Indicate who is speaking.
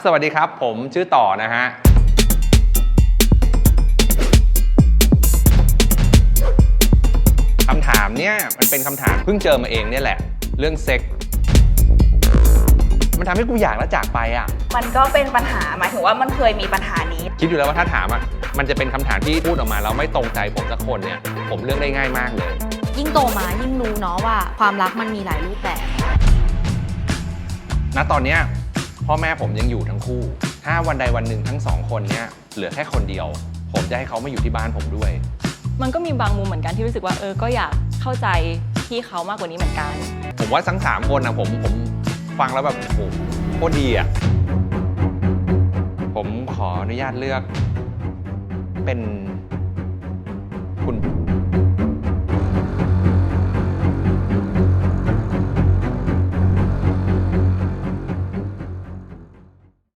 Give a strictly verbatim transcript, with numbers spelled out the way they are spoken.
Speaker 1: สวัสดีครับผมชื่อต่อนะฮะคำถามเนี่ยมันเป็นคำถามเพิ่งเจอมาเองเนี่ยแหละเรื่องเซ็กมันทำให้กูอยากแล้วจากไปอ่ะ
Speaker 2: มันก็เป็นปัญหาหมายถึงว่ามันเคยมีปัญหานี้
Speaker 1: คิดอยู่แล้วว่าถ้าถามอ่ะมันจะเป็นคำถามที่พูดออกมาแล้วไม่ตรงใจผมสักคนเนี่ยผมเลือกได้ง่ายมากเลย
Speaker 3: ยิ่งโตมายิ่งรู้เนาะว่าความรักมันมีหลายรูปแบบ
Speaker 1: ณตอนเนี้ยพ่อแม่ผมยังอยู่ทั้งคู่ถ้าวันใดวันหนึ่งทั้งสองคนเนี้ยเหลือแค่คนเดียวผมจะให้เขามาอยู่ที่บ้านผมด้วย
Speaker 4: มันก็มีบางมุมเหมือนกันที่รู้สึกว่าเออก็อยากเข้าใจพี่เขามากกว่านี้เหมือนกัน
Speaker 1: ผมว่าทั้งสามคนนะผมผมฟังแล้วแบบโอ้โหโคตรดีอ่ะผมขออนุญาตเลือกเป็นคุณ